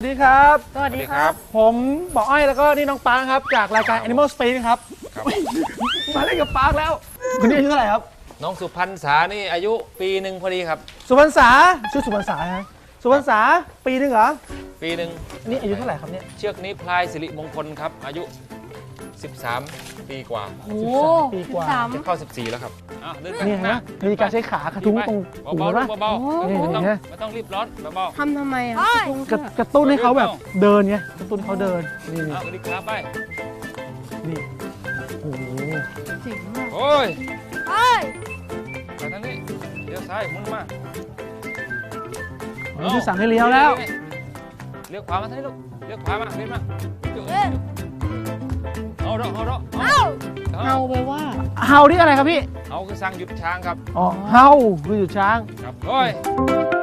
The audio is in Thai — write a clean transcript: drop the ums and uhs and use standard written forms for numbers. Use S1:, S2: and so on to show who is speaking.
S1: ดีครับ
S2: สวัสดีครับ
S1: ผมบอกอ้อยแล้วก็นี่น้องปาร์คครับจากรายการ Animal Space ครับ
S3: ครับ
S1: มาเล่นกับปาร์คแล้วคนนี้อายุเท่าไหร่ครับ
S3: น้องสุพรรณษานี่อายุปีหนึ่งพอดีครับ
S1: สุพรรณษาชื่อสุพรรณษาฮะสุพรรณษาปีหนึ่งเหรอ
S3: ปีหนึ่ง
S1: นี่อายุเท่าไหร่ครับเนี่ย
S3: เชือกนี้พลายสิริมงคลครับ อายุ 13 ปีกว่า
S2: โอ้
S1: 13 ปีกว่า
S2: 13
S3: จะเข้า 14 แล้วครับอ้าวเดินไป
S1: นี่
S3: ข้างหน้า
S1: ฮะมีการใช้ขากระทุ้งตรงหู
S3: เบาๆ
S1: นะ
S3: ลูกเบา
S2: โอ้
S3: ๆ
S1: นี่
S3: ไม่ต้อง
S1: เห็นไหม
S3: ไม่ต้องรีบร้อนเบา
S2: ทำไมอ่ะกระ
S1: กระตุ้นให้เขาแบบเดินไงกระตุ้นเขาเดินนี่
S3: ๆอ้าวสวัสดีครับไป
S1: นี่โอ้โห
S2: เจ๋งมาก
S3: โอ้ย
S2: เอ้ย
S3: ไปทางนี้เลี้ยวซ้ายหมุนมา
S1: ผมจะสั่งให้เลี้ยวแล้ว
S3: เลี้ยวขวามาทางนี้ลูกเลี้ยวขวามาเลี้ยวมาจุ๊
S2: เอ้ย
S3: เอาดอกเอาดอก
S2: เอ้าเฮาไปว่า
S1: เฮานี่อะไรครับพี่
S3: เอาคือสั่งหยุดช้างครับ
S1: อ๋อเฮาคือหยุดช้าง
S3: ครับโอ้ย